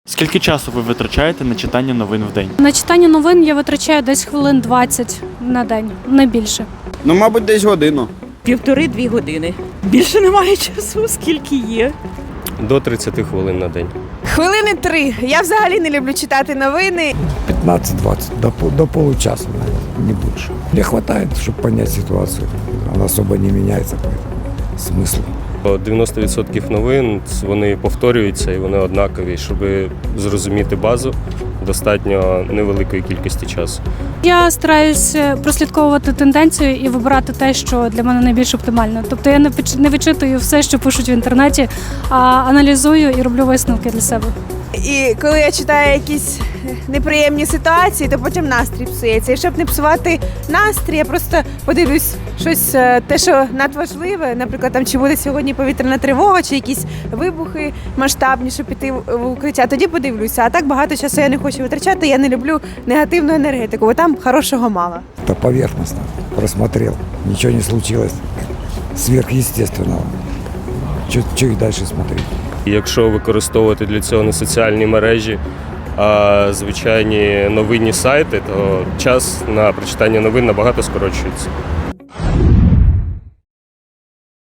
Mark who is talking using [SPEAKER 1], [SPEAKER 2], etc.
[SPEAKER 1] Скільки часу ви витрачаєте на читання новин в день?
[SPEAKER 2] На читання новин я витрачаю десь хвилин 20 на день, не більше.
[SPEAKER 3] Ну, мабуть, десь годину.
[SPEAKER 4] 1,5-2 години. Більше немає часу, скільки є.
[SPEAKER 5] До 30 хвилин на день.
[SPEAKER 6] Хвилини 3. Я взагалі не люблю читати новини.
[SPEAKER 7] 15-20, до получаса, наверное, не больше. Мне хватает, чтобы понять ситуацию. Она особо не меняется, поэтому смысл.
[SPEAKER 5] 90% новин вони повторюються і вони однакові. Щоб зрозуміти базу, достатньо невеликої кількості часу.
[SPEAKER 2] Я стараюсь прослідковувати тенденцію і вибирати те, що для мене найбільш оптимально. Тобто я не вичитую все, що пишуть в інтернеті, а аналізую і роблю висновки для себе.
[SPEAKER 6] І коли я читаю якісь неприємні ситуації, то потім настрій псується. І щоб не псувати настрій, я просто подивлюсь щось, те, що надважливе, наприклад, там чи буде сьогодні повітряна тривога, чи якісь вибухи масштабні, щоб піти в укриття. Тоді подивлюся. А так багато часу я не хочу витрачати, я не люблю негативну енергетику, бо там хорошого мало.
[SPEAKER 7] Это поверхностно. Просмотрел. Ничего не случилось сверхъестественного. Что их дальше смотреть?
[SPEAKER 5] І якщо використовувати для цього не соціальні мережі, а звичайні новинні сайти, то час на прочитання новин набагато скорочується.